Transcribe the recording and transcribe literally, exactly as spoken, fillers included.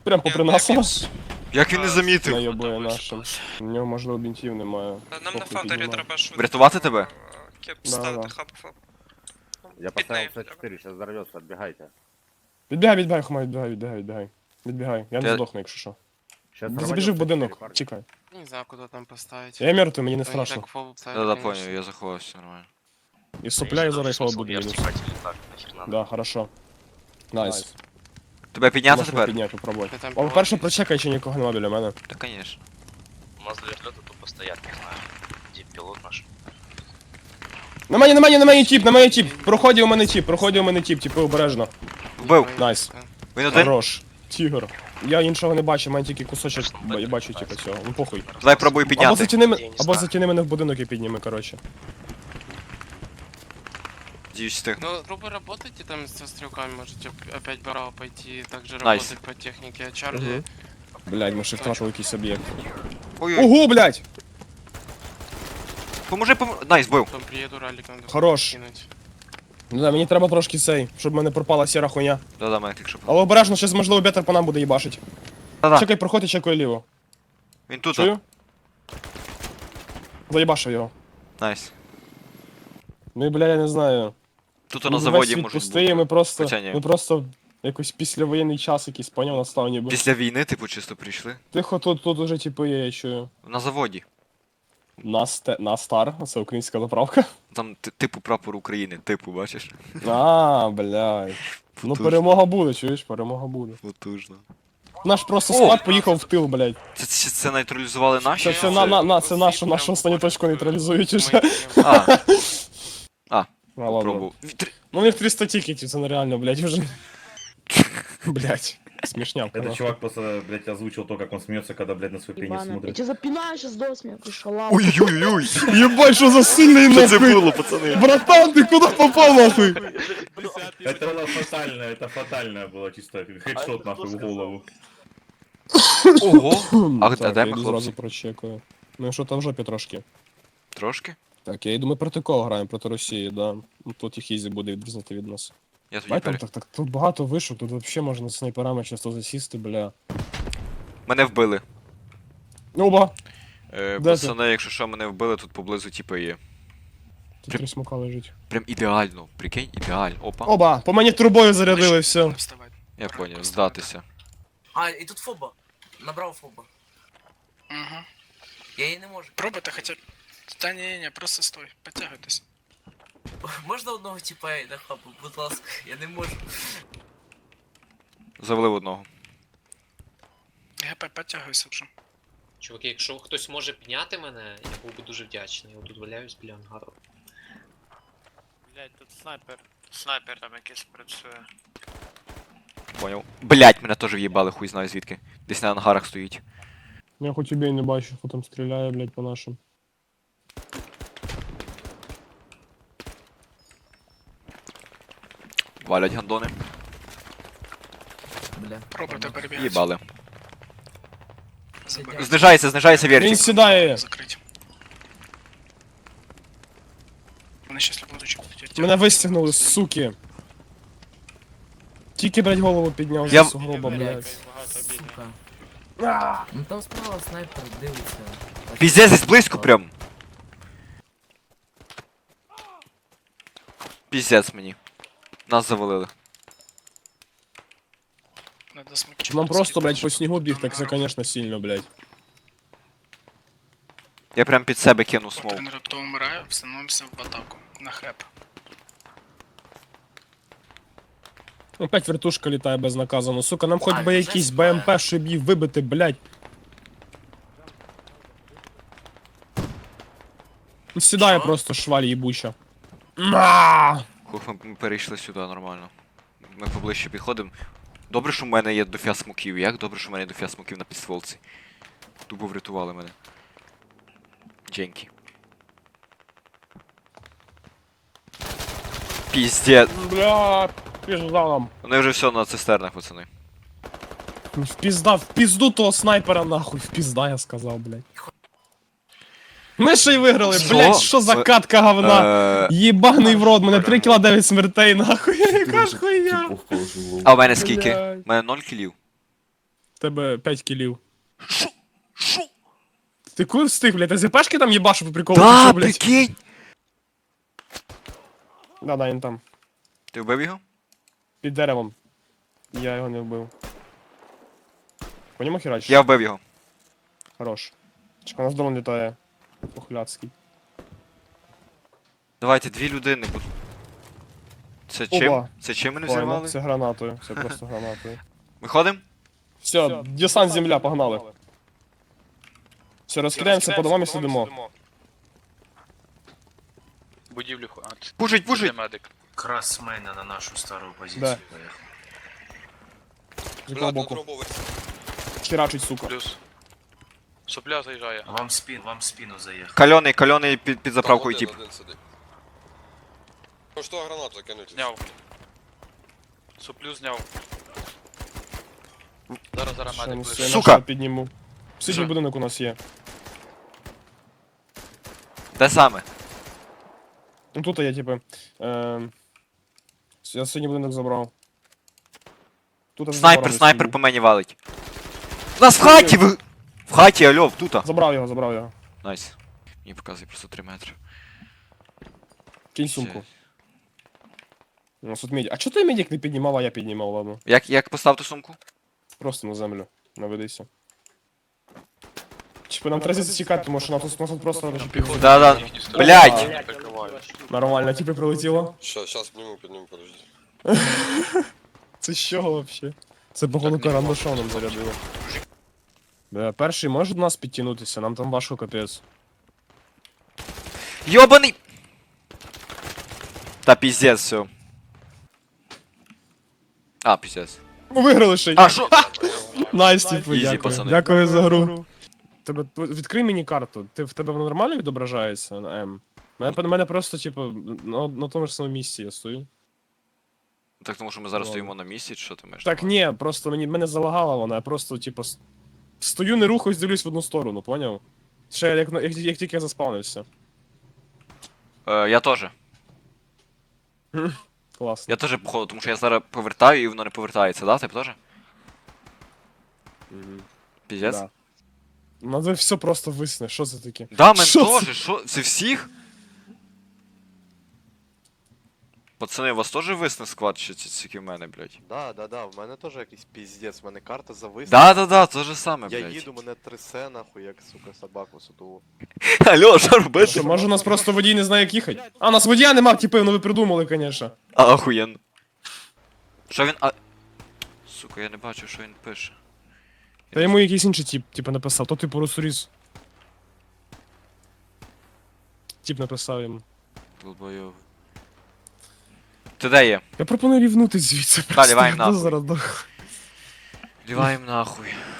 Прям попри нас. Як він не замітив? Найобує нашим. У нього, можливо, бінтів немає. Нам на фаундері треба швидко. Врятувати тебе? Кеп Да, ставити да. хаб фаб. Я поставил С четыре, сейчас взорвется, отбегайте. Відбігай, відбігай, Хомай, відбігай, відбігай, відбігай. Відбігай, я не Ти- здохну, якщо що. Сейчас Забіжи в будинок, чекай. Не знаю, куда там поставить. Я мертвий, мені не Они страшно. так фол ставят, Да-да, конечно. понял, я заховався нормально. І сопля, і зараз його буду мінус. Да, хорошо. Найс. Тебе підняти Можна тепер? підняти, попробуй. Ти там О, перше прочекай, чи нікого нема біля мене. Та конечно. У нас для вертолета тупо стоят, не знаю, где пилот наш. На мені, на мені, на мені тіп, на мені тіп. Проході у мене тіп, проході у мене тіп, типу обережно. Вбив. Найс. Він один? Хорош. Тігр. Я іншого не бачу, мене тільки кусочок ба- я бачу, типу, цього. Ну похуй. Давай пробуй Або підняти. затяни, ме- або затяни мене в будинок і підніми, коротше. Діюсь встиг. Ну, грубо работайте там со стрелками, можете опять браво пойти, также Найс. работать по технике. А Чарли, Мгм. Блядь, ми ще втратили якийсь об'єкт. Ой-ой, Ого, блядь! поможи, поможи. Найс, бив. потом приеду ралик надо Хорош. кинуть. Ну да, мені треба трошки цей, щоб в мене пропала сіра хуйня. Да-да, мене тільки що. Але обережно, щось можливо бетер по нам буде їбашить. Да-да, Чекай, проходь і чекай ліво. він тут. Чую? Заїбашив його. Найс. Ну і бля, я не знаю. Тут Ну, на весь заводі світ можуть пустий, бути. ми просто, Хоча ні. ми просто якийсь післявоєнний час якийсь, поняв, настав ніби. Після війни, типу, чисто прийшли. Тихо, тут, тут уже типу є, я чую. На заводі. Насте, Настар, це українська заправка. Там ти- типу прапор України, типу, бачиш? А, блядь. Ну Потужно. перемога буде, чуєш, перемога буде. Потужно. Наш просто О! склад поїхав в тил, блядь. Це, це, це нейтралізували наші? Це, чи це, на, на, на, це нашу, нашу останню точку нейтралізують уже. А, А, ладно. пробував. Вітр- Ну у них триста тикетів, це нереально, блядь, уже. Блядь, смешнявка. Этот нахуй. чувак просто, блядь, озвучил то, как он смеется, когда, блядь, на свой пенис Ебаная, я смотрит. тебя запинаю сейчас до смерти, шалава. Ой-ой-ой! Ебать, що за сильний Що це нахуй! було, пацани? Братан, ти куди попав нахуй? Это было фатально, это фатальное было, чисто хедшот нахуй в голову. Ого! А Так, де я ми, йду хлопці? зразу прочекаю. Ну що там в жопі трошки. Трошки? Так, я йду, ми проти кого граємо? Проти Росії, да. Ну, тут їх ізі буде відрізнити від нас. Я тоді Бать, там пере... так, так, тут багато вишок, тут взагалі можна снайперами часто засісти, бля. Мене вбили. Оба! Е, Де пацани, якщо що, мене вбили, тут поблизу типи є. Тут три смока лежить. Прям ідеально, прикинь, ідеально. Опа. Оба! По мені трубою зарядили, все. Я поняв, здатися. А, и тут фоба. Набрал фоба. Угу. Я її не можу. Пробуйте хоча б. Та ні, ні, просто стой, підтягуйтесь. Можна одного типа на хабу, будь ласка, я не можу. Завалив одного. ГП, підтягуйся вже. Чуваки, якщо хтось може підняти мене, я був би дуже вдячний. Я тут валяюсь біля ангару. Блять, тут снайпер. Снайпер там якийсь працює. Поняв. Блять, мене теж в'їбали, хуй знаю звідки. Десь на ангарах стоїть. Я хоч убей не бачу, хто там стріляє, блядь, по нашим. Валять гандони. Бля. Пробуйте перебігати. Їбали. Забирайте. Знижається, знижається Він вертик. сідає! Закрить. Вони щас будуть чекати. Мене вистягнули, суки! Тільки, блядь, голову підняв Я- з сугроба, блядь. Сука. Ну там справа снайпер дивиться. Піздець, десь близько прям. Піздець мені. Нас завалили. Надо смокчик. Нам просто, блядь, по снігу біг, так це, конечно, сильно, блядь. Я прям під себе кинув смоук. Тренер, хто вмирає, встановимося в атаку. На хеп. Опять вертушка літає безнаказано. Сука, нам хоч А, би це якийсь знаю. БМП, щоб її вибити, блядь. Ну, сідає Що? просто шваль їбуча. На! Хух, ми ми перейшли сюди нормально. Ми поближче підходимо. Добре, що в мене є дофіа смоків. Як добре, що в мене є дофіа смоків на підстволці. Тупо врятували мене. Дженкі. Піздець. Бля, пізда нам. Вони вже все на цистернах, пацани. В пізда, в пізду того снайпера нахуй, в пізда, я сказав, блядь. Ми ще й виграли, Що? блядь, що за Ми- катка говна. Е, Єбаний в рот, мене три кіла дев'ять смертей, нахуй, яка ж хуйня. А в мене скільки? Блядь. У мене ноль кілів. В тебе п'ять кілів. Шо? Шо? Ти коли встиг, блядь? Ти зіпешки там їбашу по приколу? Да, чи що, блядь? прикинь! Да, да, він там. Ти вбив його? Під деревом. Я його не вбив. По ньому херачиш? Я вбив його. Хорош. Чекай, у нас дрон літає. Похляцький. Давайте, дві людини будуть. Це чим? Оба. Це чим мене Файно, взірвали? це гранатою. Це просто гранатою. Виходимо? Все, десант земля, погнали. Все, розкидаємося по домам і сидимо. Будівлю ху... А, це- Пушить, це пушить! медик. Красмена на нашу старую позицию. Да. поехал. З якого боку? Херачить, сука. Плюс. Сопля заїжджає. Вам в спину, вам в спину заехал. Кальоний, кальоний під, під заправкою тип. Ну что, гранату закинуть? Зняв. Соплю зняв. Зараз, зараз Ще медик не ближче. все, Сука! на що підніму. Сидній Що? будинок у нас є. Де саме? Ну тут я, типу. Ем... Я синій будинок забрав. Тут аж Снайпер, забрав снайпер сидів. по мені валить. У нас в хаті! Ви... В хаті, альо, тута. Забрав його, забрав його. Найс. Мені показує просто три метри. Кинь сумку. У нас тут медик. А чого той медик не піднімав, а я піднімав, ладно. Як, як поставити сумку? Просто на землю. Наведися. Типа нам треба зачекати, тому що нас тут, нас тут просто розчепили. Да-да. Їхні сторони Блядь! не прикривають. Нормально, типу прилетіло. Сейчас, сейчас подниму, подниму, подожди. Це що вообще? Це походу карандашом нам зарядило. Бля, перший може до нас підтягнутися, нам там важко капець. Йобаний! Та піздець, все. А, піздець. Ми виграли ще й. А, що? Найс, типу, Ізі, дякую. пацани. Дякую за гру. Тебе, відкрий мені карту. Ти, в тебе воно нормально відображається на М? Мене, мене просто, типу, на, на тому ж самому місці я стою. Так тому що ми зараз Ладно. стоїмо на місці, чи що ти маєш? Так ні, просто мені мене залагала вона, я просто, типу, с- стою, не рухаюсь, дивлюсь в одну сторону, поняв? Ще як, на- як, як тільки я заспавнився. Е, я теж. Класно. Я теж походу, тому що я зараз повертаю і воно не повертається, да? Ти теж? Мгм. Піздець? Да. Ну це все просто висне, що це таке? Да, мен Що це? теж, що? Це всіх? Пацани, у вас теж висне склад, чи це тільки в мене, блядь? Да, да, да, в мене теж якийсь піздець, в мене карта зависла. Да-да-да, то же саме, Я блядь. їду, мене трясе нахуй, як, сука, собаку садову. Алло, що Що, робити? може у нас просто водій не знає, як їхати? А, у нас водія нема, типу, ну ви придумали, конечно. А, охуєнно. Що він, а... Сука, я не бачу, що він пише. Та йому якийсь інший тип, типу, написав, то типу русуріс. Тип написав йому. Долбойов. Ти де є? Я пропоную рівнути звідси. Та, ліваєм просто, нахуй. зараз дох- Ліваєм нахуй.